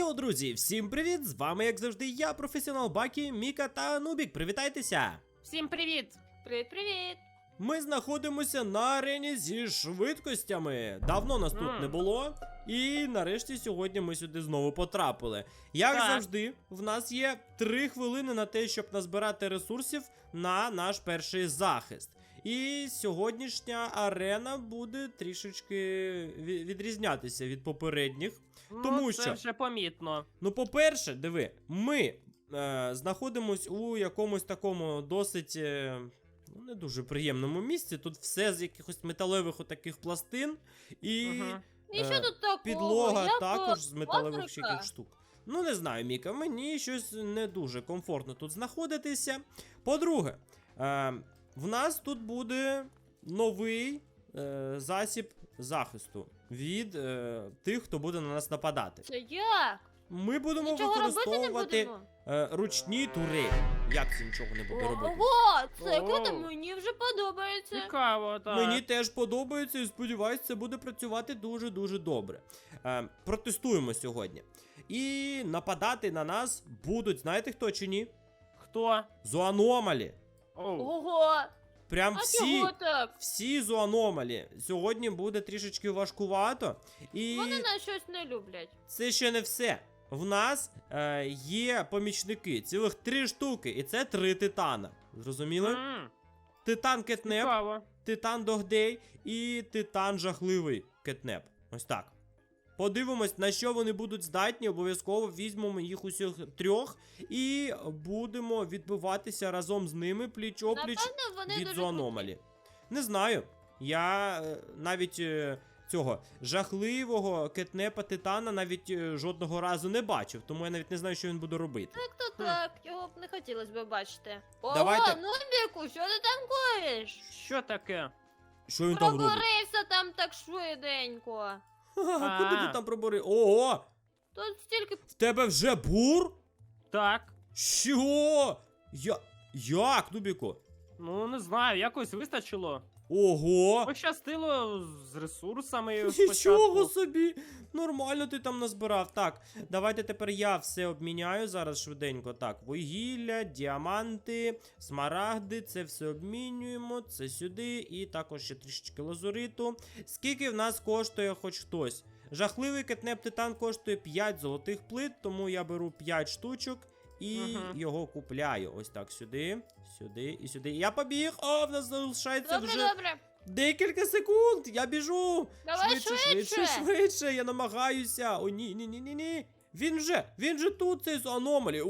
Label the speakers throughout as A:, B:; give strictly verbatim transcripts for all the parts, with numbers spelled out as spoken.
A: Йоу, друзі, всім привіт! З вами, як завжди, я, професіонал Бакі, Міка та Нубік. Привітайтеся!
B: Всім привіт!
C: Привіт-привіт!
A: Ми знаходимося на арені зі швидкостями. Давно нас тут
B: Mm.
A: не було. І нарешті сьогодні ми сюди знову потрапили. Як
B: Так.
A: завжди, в нас є три хвилини на те, щоб назбирати ресурсів на наш перший захист. І сьогоднішня арена буде трішечки ві- відрізнятися від попередніх. Тому
B: ну, це
A: що-
B: вже помітно.
A: Ну, по-перше, диви, ми е, знаходимось у якомусь такому досить е, ну, не дуже приємному місці. Тут все з якихось металевих отаких пластин. І
B: Мгм.
C: І що
A: Е,
C: тут такого?
A: підлога
C: Я
A: також
C: по-
A: з металевих
C: фабрика.
A: ще яких штук. Ну, не знаю, Міка, мені щось не дуже комфортно тут знаходитися. По-друге, е, в нас тут буде новий е, засіб захисту від е, тих, хто буде на нас нападати.
C: Це як?
A: Ми будемо
C: Нічого робити не
A: використовувати
C: будемо?
A: е, ручні турелі. Як це нічого не буде робити?
C: Ого, це
B: Оу.
C: круто, мені вже подобається.
B: Цікаво, так.
A: Мені теж подобається і сподіваюся, це буде працювати дуже-дуже добре. Е, протестуємо сьогодні. І нападати на нас будуть, знаєте хто чи ні?
B: Хто?
A: Зоаномалі.
B: Оу.
C: Ого,
A: Прям
C: а
A: всі,
C: чого так?
A: всі зоаномалі. Сьогодні буде трішечки важкувато. І
C: Вони нас щось не люблять.
A: це ще не все. В нас е, є помічники, цілих три штуки, і це три титана. Зрозуміли?
B: М,
A: Титан Кетнеп,
B: Цікаво.
A: Титан Догдей і Титан Жахливий Кетнеп. Ось так. Подивимось, на що вони будуть здатні. Обов'язково візьмемо їх усіх трьох і будемо відбиватися разом з ними пліч-опліч
C: Напевно, вони
A: від
C: дуже
A: зоаномалі. Не знаю. Я е, навіть е, цього жахливого кетнепа Титана навіть е, жодного разу не бачив, тому я навіть не знаю, що він буде робити.
C: Так, то
B: Хм.
C: так, його б не хотілося б бачити. Ого,
A: Давайте-
C: Нубіку, що ти там коїш?
B: Що таке?
A: Що він там робить?
C: Проборився там так швиденько.
A: Ха-ха, куди
B: А.
A: ти там пробори? Ого!
C: Тут стільки...
A: В тебе вже бур?
B: Так.
A: Що? Я... Як, Нубіку?
B: Ну, не знаю, якось вистачило.
A: Ого!
B: Пощастило з ресурсами
A: Нічого
B: спочатку.
A: собі! Нормально ти там назбирав. Так, давайте тепер я все обміняю зараз швиденько. Так, вугілля, діаманти, смарагди, це все обмінюємо, це сюди, і також ще трішечки лазуриту. Скільки в нас коштує хоч хтось? Жахливий кетнеп Титан коштує п'ять золотих плит, тому я беру п'ять штучок. І
B: Мгм.
A: його купляю. Ось так, сюди, сюди і сюди. Я побіг! О, в нас залишається
C: Добре,
A: вже
C: добре.
A: декілька секунд. Я біжу.
C: Давай
A: швидше, швидше,
C: швидше.
A: швидше. Я намагаюся. О, ні, ні, ні, ні, ні. Він вже, він же тут, цей з аномалі.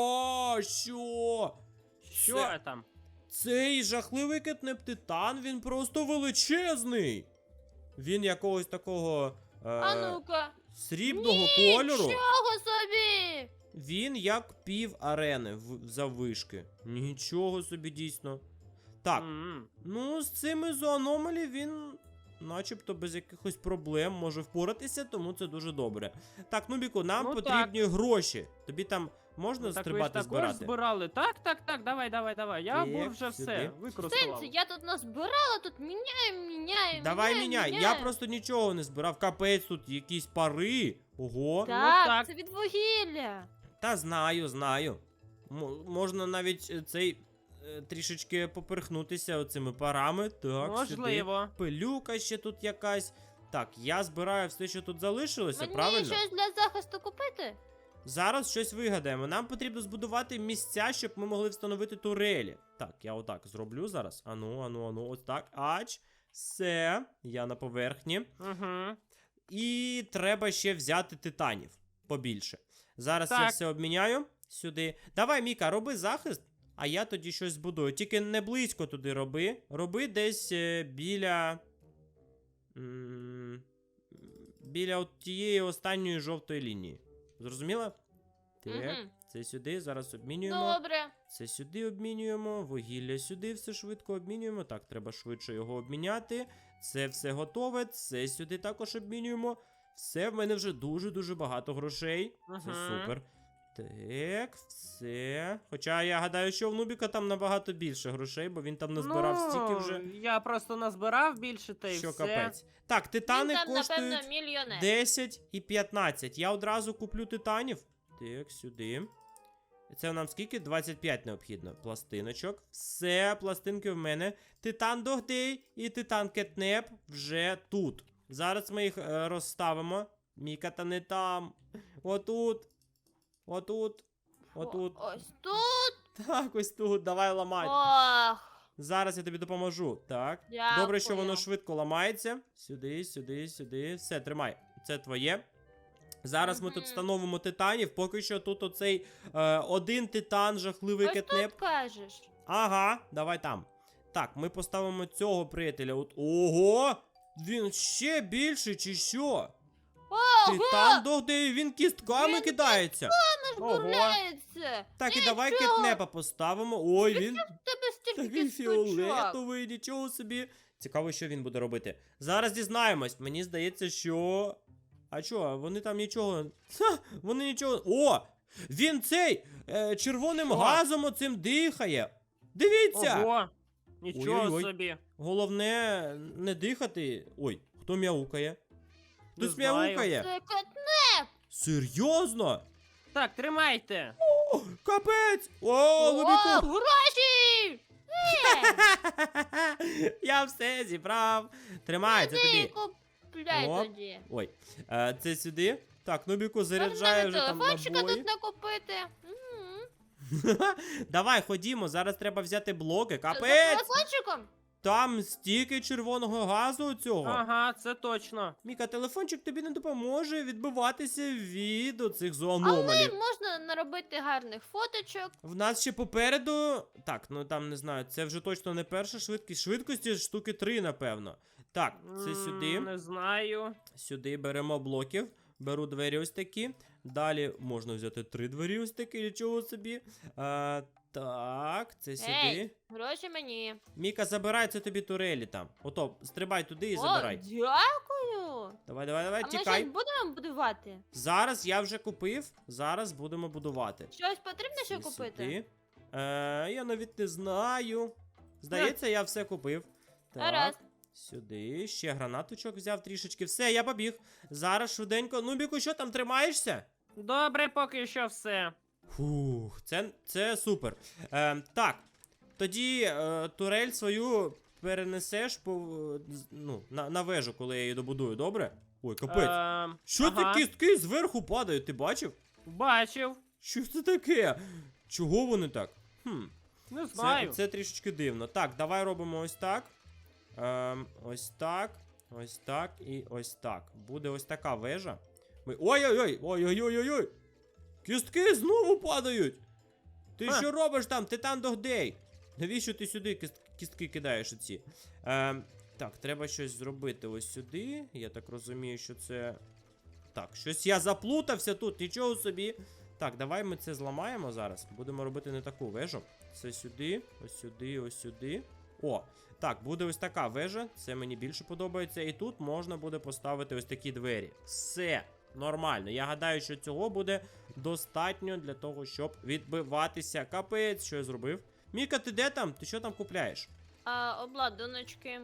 A: О, що?
B: Що
A: Це-
B: там?
A: Цей жахливий кетнеп Титан, він просто величезний. Він якогось такого е,
C: А ну-ка.
A: срібного кольору.
C: Нічого собі!
A: Він як пів арени в- заввишки. Нічого собі дійсно. Так,
B: М,
A: ну з цими зоаномалі він начебто без якихось проблем може впоратися, тому це дуже добре. Так, Нубіку, нам
B: Ну,
A: потрібні гроші. Тобі там можна
B: Так ви ж
A: стрибати
B: також
A: збирати?
B: збирали. Так, так, так, давай, давай, давай. Я
A: Так,
B: був вже
A: сюди.
B: все використав.
C: Сенсі, я тут назбирала, тут міняю, міняю,
A: Давай
C: міняю,
A: міняй.
C: міняю.
A: Я просто нічого не збирав. Капець, тут якісь пари. Ого.
C: Так,
B: так.
C: це від вугілля.
A: Та знаю, знаю. М- можна навіть е, цей е, трішечки поперхнутися оцими парами. Так,
B: Можливо.
A: сюди. Пилюка ще тут якась. Так, я збираю все, що тут залишилося,
C: Мені
A: правильно?
C: щось для захисту купити?
A: Зараз щось вигадаємо. Нам потрібно збудувати місця, щоб ми могли встановити турелі. Так, я отак зроблю зараз. Ану, ану, ану, ось так. Ач. Все, я на поверхні.
B: Угу.
A: І треба ще взяти титанів побільше. Зараз я
B: Так.
A: все обміняю сюди. Давай, Міка, роби захист, а я тоді щось збудую. Тільки не близько туди роби. Роби десь е, біля. м, Біля от тієї останньої жовтої лінії. Зрозуміла? Так,
C: Мгм.
A: це сюди, зараз обмінюємо.
C: Добре.
A: Це сюди обмінюємо, вугілля сюди все швидко обмінюємо. Так, треба швидше його обміняти. Це все готове, це сюди також обмінюємо. Все, в мене вже дуже-дуже багато грошей. Це
B: Ага.
A: супер. Так, все. Хоча я гадаю, що в Нубіка там набагато більше грошей, бо він там назбирав стільки вже,
B: Ну, я просто назбирав більше, та й
A: що
B: все.
A: капець. Так, титани
C: Він там,
A: коштують
C: напевно, мільйонер.
A: десять і п'ятнадцять. Я одразу куплю титанів. Так, сюди. Це нам скільки? двадцять п'ять необхідно. Пластиночок. Все, пластинки в мене. Титан Догдей і титан Кетнеп вже тут. Зараз ми їх е, розставимо. Міка, та не там. Отут. Отут. Отут.
C: О, ось тут.
A: Так, ось тут. Давай ламай.
C: Ох,
A: Зараз я тобі допоможу. Так.
C: дякую.
A: Добре, що воно швидко ламається. Сюди, сюди, сюди. Все, тримай. Це твоє. Зараз ми тут
C: Мгм.
A: встановимо титанів. Поки що тут оцей е, один титан, жахливий
C: Ось
A: кетнеп.
C: тут кажеш.
A: Ага, давай там. Так, ми поставимо цього приятеля. От. Ого! Він ще більший, чи що?
C: Ого,
A: Титан Догдей, він кістками
C: Він
A: кидається.
B: Ого.
C: розмовляється.
A: Так, і давай
C: Нічого.
A: кетнепа поставимо. Ой, він
C: Тебе стільки
A: такий
C: кісточок.
A: фіолетовий, нічого собі. Цікаво, що він буде робити. Зараз дізнаємось. Мені здається, що. А чо, вони там нічого. Ха, вони нічого. О! Він цей е, червоним
B: Що?
A: газом оцим дихає. Дивіться!
B: Ого. Нічого
A: Ой-ой-ой.
B: собі.
A: Головне не дихати. Ой, хто мяукає?
B: Не
A: Хтось
B: знаю.
A: мяукає?
C: Це кот.
A: Серйозно?
B: Так, тримайте.
A: О, капець! О,
C: О,
A: Лубіку!
C: гроші!
A: Я все зібрав. Тримай, це
C: Ти
A: тобі.
C: купляй
A: О.
C: тоді.
A: Ой, е, це сюди. Так, Нубіку
C: Можна
A: заряджає
C: навіть
A: вже там
C: телефончика
A: набої.
C: тут накупити. Мгм.
A: Давай, ходімо, зараз треба взяти блоки.
C: За
A: Капець!
C: телефончиком?
A: Там стільки червоного газу у цього.
B: Ага, це точно.
A: Міка, телефончик тобі не допоможе відбиватися від оцих
C: Але
A: зоономалів.
C: можна наробити гарних фоточок.
A: В нас ще попереду. Так, ну там не знаю, це вже точно не перша швидкість. Швидкості штуки три, напевно. Так, це
B: М,
A: сюди.
B: Не знаю.
A: Сюди беремо блоків. Беру двері ось такі. Далі можна взяти три двері ось такі, нічого собі. А, так, це сюди.
C: Ей. Гроші мені.
A: Міка, забирай, це тобі турелі там. Ото, стрибай туди і
C: О,
A: забирай.
C: дякую.
A: Давай, давай, давай,
C: А ми
A: тікай.
C: щось будемо будувати?
A: Зараз я вже купив, зараз будемо будувати.
C: Щось потрібно ще
A: Всі
C: купити?
A: сюди. Е, я навіть не знаю. Здається, я все купив. Так.
C: Гаразд.
A: Сюди, ще гранаточок взяв трішечки. Все, я побіг. Зараз швиденько. Нубіку, що там тримаєшся?
B: Добре, поки що все.
A: Фух, це, це супер. Е, так, тоді е, турель свою перенесеш по, е, з- ну, на, на вежу, коли я її добудую, добре? Ой, капець.
B: Ем,
A: Що
B: ага.
A: це кістки зверху падають, ти бачив?
B: Бачив.
A: Що це таке? Чого вони так? Хм,
B: Не
A: це,
B: знаю.
A: це трішечки дивно. Так, давай робимо ось так. Ем, ось так, ось так і ось так. Буде ось така вежа. Ми... Ой-ой-ой! Ой-ой-ой-ой! Кістки знову падають! Ти
B: Ха.
A: що робиш там, Титан Догдей? Навіщо ти сюди кіст... кістки кидаєш оці? Ем, так, треба щось зробити ось сюди. Я так розумію, що це. Так, щось я заплутався тут, нічого собі. Так, давай ми це зламаємо зараз. Будемо робити не таку вежу. Це сюди, ось сюди, ось сюди. О, так, буде ось така вежа. Це мені більше подобається. І тут можна буде поставити ось такі двері. Все нормально. Я гадаю, що цього буде достатньо для того, щоб відбиватися. Капець, що я зробив. Міка, ти де там? Ти що там купляєш?
C: А, обладуночки.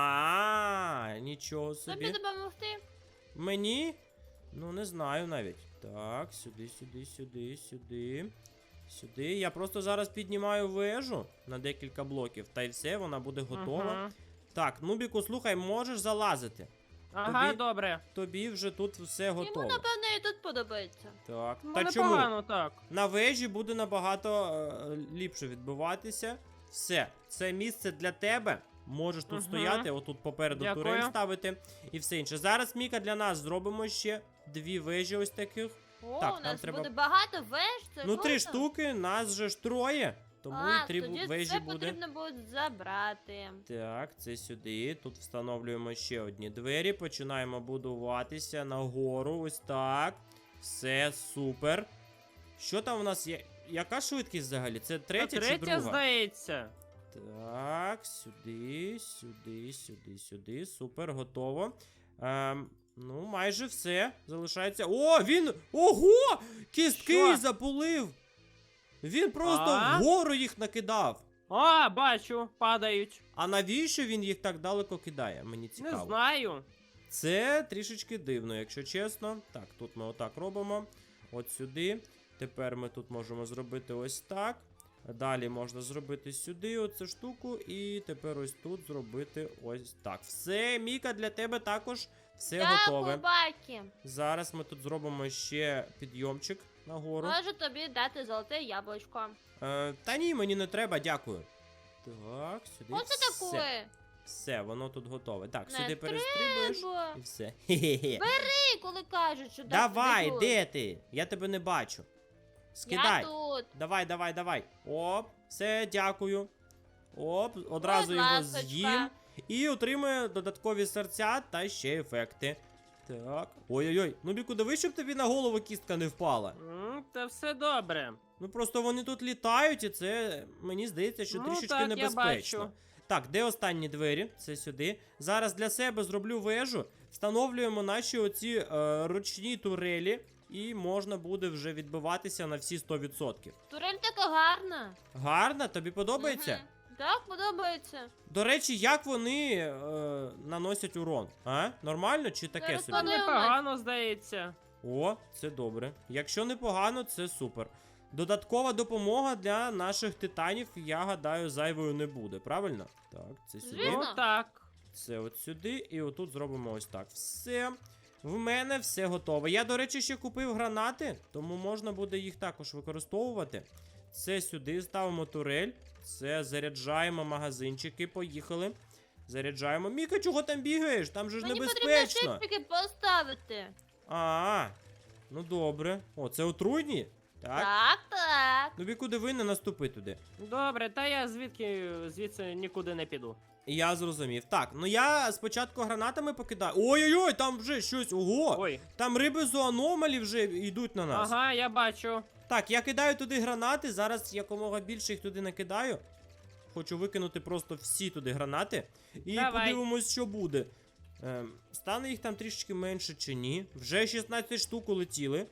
A: А, нічого
C: Тобі
A: собі.
C: допомогти?
A: Мені? Ну, не знаю навіть. Так, сюди, сюди, сюди, сюди. Сюди. Я просто зараз піднімаю вежу на декілька блоків, та й все, вона буде готова.
B: Ага.
A: Так, Нубіку, слухай, можеш залазити.
B: Ага,
A: Тобі-
B: добре.
A: Тобі вже тут все
C: Йому,
A: готово.
C: напевно, і тут подобається.
A: Так,
B: Ну,
A: та чому?
B: непогано так.
A: На вежі буде набагато е, ліпше відбиватися. Все, це місце для тебе. Можеш тут
B: Мгм.
A: стояти, отут попереду
B: Дякую.
A: турель ставити і все інше. Зараз, Міка, для нас зробимо ще дві вежі ось таких.
C: О,
A: Так,
C: у
A: нам
C: нас
A: треба-
C: буде багато веж, це
A: Ну, три
C: круто.
A: штуки, нас же ж троє. Тому
C: а,
A: і три
C: тоді
A: вежі
C: це
A: буде.
C: потрібно буде забрати.
A: Так, це сюди. Тут встановлюємо ще одні двері. Починаємо будуватися нагору. Ось так. Все супер. Що там у нас є? Яка швидкість взагалі? Це третя,
B: Та
A: чи
B: третя,
A: друга?
B: здається.
A: Так, сюди, сюди, сюди, сюди. Супер, готово. Ем, ну, майже все. Залишається. О, він! Ого! Кістки
B: Що?
A: запулив. Він просто
B: А?
A: вгору їх накидав.
B: О, бачу, падають.
A: А навіщо він їх так далеко кидає? Мені цікаво.
B: Не знаю.
A: Це трішечки дивно, якщо чесно. Так, тут ми отак робимо. От сюди. Тепер ми тут можемо зробити ось так. Далі можна зробити сюди оцю штуку. І тепер ось тут зробити ось так. Все, Міка, для тебе також все готове.
C: Дякую, Бакі.
A: Зараз ми тут зробимо ще підйомчик нагору.
C: Можу тобі дати золоте яблучко.
A: Е, та ні, мені не треба, дякую. Так, сюди.
C: Оце
A: все.
C: таке.
A: Все, воно тут готове. Так,
C: Не
A: сюди перестрибуєш
C: треба.
A: і все. Хе-хе-хе.
C: Ти коли кажуть, що дати
A: Давай,
C: тобі
A: де ти? Я тебе не бачу.
C: тут.
A: Скидай.
C: Я тут.
A: Давай, давай, давай. Оп, все, дякую. Оп, одразу
C: Будь
A: його
C: ласочка.
A: з'їм. І отримує додаткові серця та ще ефекти. Так. Ой-ой-ой. Ну, Біку, диви, щоб тобі на голову кістка не впала.
B: М, Та все добре.
A: Ну просто вони тут літають, і це мені здається, що
B: Ну,
A: трішечки
B: так, я
A: небезпечно.
B: бачу.
A: Так, де останні двері? Це сюди. Зараз для себе зроблю вежу, встановлюємо наші оці е, ручні турелі, і можна буде вже відбиватися на всі сто відсотків.
C: Турель така гарна.
A: Гарно? Тобі подобається?
C: Мгм. Так, подобається.
A: До речі, як вони е, наносять урон? А? Нормально чи таке
C: Зараз
A: собі?
B: Та
C: Подивимось.
B: непогано, здається.
A: О, це добре. Якщо непогано, це супер. Додаткова допомога для наших титанів, я гадаю, зайвою не буде, правильно? Так, це сюди.
C: Звісно.
B: Ну так.
A: Це от сюди, і отут зробимо ось так. Все. В мене все готове. Я, до речі, ще купив гранати, тому можна буде їх також використовувати. Це сюди ставимо турель. Це заряджаємо магазинчики. Поїхали. Заряджаємо. Міка, чого там бігаєш? Там же ж
C: Мені потрібно
A: небезпечно.
C: щитки поставити.
A: А, ну добре. О, це отруйні? Так.
C: Так, так.
A: Ну, Біку, диви, не наступи туди.
B: Добре, та я звідки звідси нікуди не піду.
A: Я зрозумів. Так, ну я спочатку гранатами покидаю. Ой-ой-ой, там вже щось. Ого!
B: Ой.
A: Там риби зоономалі вже йдуть на нас.
B: Ага, я бачу.
A: Так, я кидаю туди гранати. Зараз якомога більше їх туди накидаю. Хочу викинути просто всі туди гранати. І
B: Давай.
A: подивимось, що буде. Ем, стане їх там трішки менше чи ні. Вже шістнадцять штук улетіли.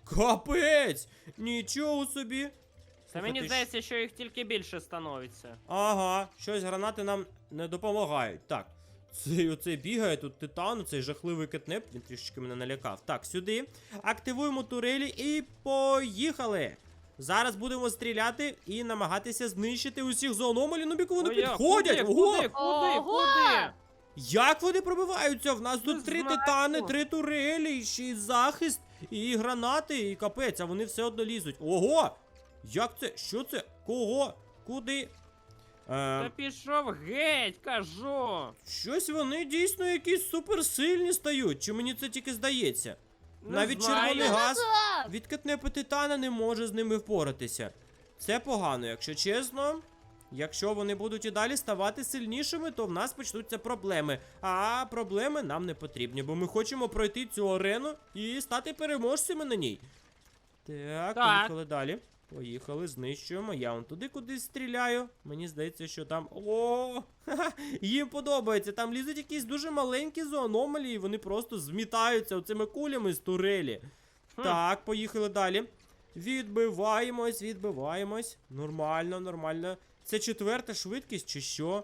A: Капець! Нічого собі.
B: Та
A: Слухай,
B: мені
A: ти ж-
B: здається, що їх тільки більше становиться.
A: Ага, щось гранати нам не допомагають. Так, цей оцей бігає тут титан, цей жахливий кетнеп, він трішечки мене налякав. Так, сюди. Активуємо турелі і поїхали. Зараз будемо стріляти і намагатися знищити усіх зоономалів. Ну, Біку, вони
B: Ой, я-
A: підходять.
B: Куди,
A: Ого!
B: куди, куди,
C: Ого!
B: куди?
A: Як вони пробиваються? В нас
B: Не
A: тут три
B: знаю.
A: титани, три турелі, ще й захист, і гранати, і капець, а вони все одно лізуть. Ого! Як це? Що це? Кого? Куди?
B: Та
A: Ем,
B: пішов геть, кажу.
A: Щось вони дійсно якісь суперсильні стають, чи мені це тільки здається?
B: Не
A: Навіть
B: знаю.
A: червоний газ
C: Так.
A: від кетнепу титана не може з ними впоратися. Це погано, якщо чесно. Якщо вони будуть і далі ставати сильнішими, то в нас почнуться проблеми. А проблеми нам не потрібні, бо ми хочемо пройти цю арену і стати переможцями на ній. Так,
B: Так.
A: поїхали далі. Поїхали, знищуємо. Я вон туди кудись стріляю. Мені здається, що там. О! Ха-ха, їм подобається. Там лізуть якісь дуже маленькі зоономалії, і вони просто змітаються оцими кулями з турелі.
B: Хм.
A: Так, поїхали далі. Відбиваємось, відбиваємось. Нормально, нормально. Це четверта швидкість чи що?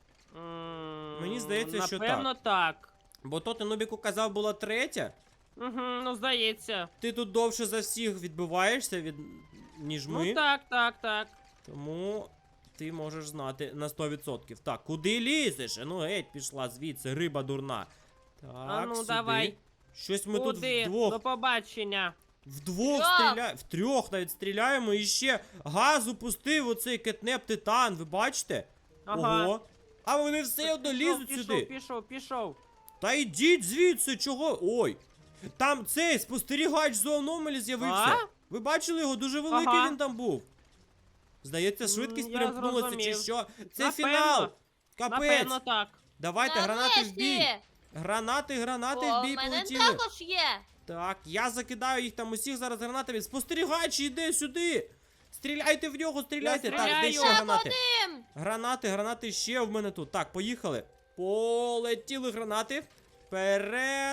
B: М,
A: Мені здається, що
B: Напевно, так.
A: Бо то ти Нубіку казав, була третя.
B: Угу, ну здається.
A: Ти тут довше за всіх відбиваєшся від ніж ми.
B: Ну так, так, так.
A: Тому ти можеш знати на сто відсотків. Так, куди лізеш? Ну геть пішла звідси, риба дурна. Так,
B: А ну,
A: сюди.
B: давай.
A: Щось ми тут
B: Куди?
A: вдвох.
B: До побачення.
A: Вдвох
C: Трьох.
A: стріляємо, в трьох навіть стріляємо і ще газу пустив оцей кетнеп титан, ви бачите?
B: Ага.
A: Ого. А вони все одно
B: Пішов,
A: лізуть
B: пішов,
A: сюди.
B: Пішов, пішов.
A: Та йдіть звідси, чого? Ой. Там цей спостерігач зоономалі з'явився.
B: А?
A: Ви бачили його? Дуже великий
B: Ага.
A: він там був. Здається,
B: М,
A: швидкість
B: я
A: перемкнулася чи
B: зрозумів.
A: що? Це
B: Напевно.
A: фінал. Капець.
B: Напевно, так.
A: Давайте, гранати в бій.
C: Нарешті.
A: Гранати, гранати
C: О,
A: в бій
C: в мене
A: полетіли.
C: також є.
A: Так, я закидаю їх там усіх зараз гранатами. Спостерігач йде сюди. Стріляйте в нього, стріляйте.
B: Я
A: Так, де
B: стріляю.
A: ще гранати?
C: Тим.
A: Гранати, гранати ще в мене тут. Так, поїхали. Полетіли гранати. Вперед.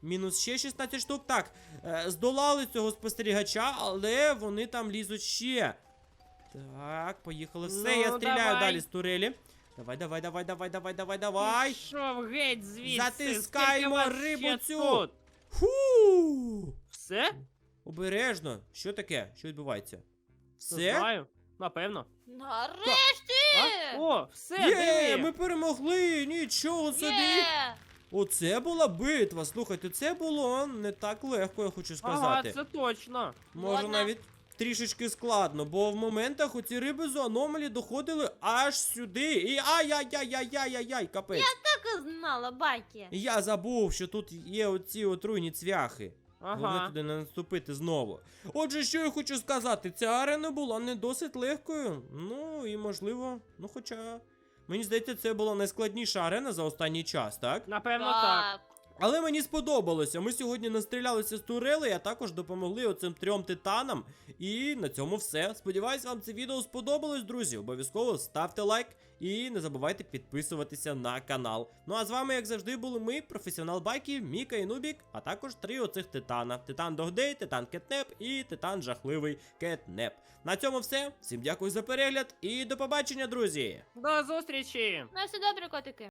A: Мінус ще шістнадцять штук. Так, е, здолали цього спостерігача, але вони там лізуть ще. Так, поїхали. Все,
B: Ну,
A: я стріляю
B: давай.
A: далі з турелі. Давай, давай, давай, давай, давай, давай, давай.
B: Пішов геть звідси.
A: Затискаємо
B: Скільки вас
A: рибу
B: ще
A: цю.
B: Тут?
A: Фу!
B: Все?
A: Обережно. Що таке? Що відбувається?
B: Не
A: Все?
B: знаю. Напевно.
C: Нарешті!
B: А? О, все,
A: Є,
B: диви.
A: ми перемогли! Нічого собі!
C: Є!
A: Оце була битва. Слухайте, це було не так легко, я хочу
B: Ага,
A: сказати.
B: це точно.
A: Може
C: Ладно.
A: навіть трішечки складно, бо в моментах оці риби з аномалі доходили аж сюди. І ай-яй-яй-яй-яй-яй, капець.
C: Так і знала, байки.
A: Я забув, що тут є оці отруйні цвяхи. Головне
B: Ага.
A: туди не наступити знову. Отже, що я хочу сказати, ця арена була не досить легкою. Ну і можливо, ну хоча. Мені здається, це була найскладніша арена за останній час, так?
B: Напевно, так.
A: Але мені сподобалося. Ми сьогодні настрілялися з турели, а також допомогли оцим трьом титанам. І на цьому все. Сподіваюсь, вам це відео сподобалось, друзі. Обов'язково ставте лайк і не забувайте підписуватися на канал. Ну а з вами, як завжди, були ми, професіонал байки, Міка і Нубік, а також три оцих титана: Титан Догдей, Титан Кетнеп і Титан Жахливий Кетнеп. На цьому все. Всім дякую за перегляд і до побачення, друзі!
B: До зустрічі!
C: На все добре, котики.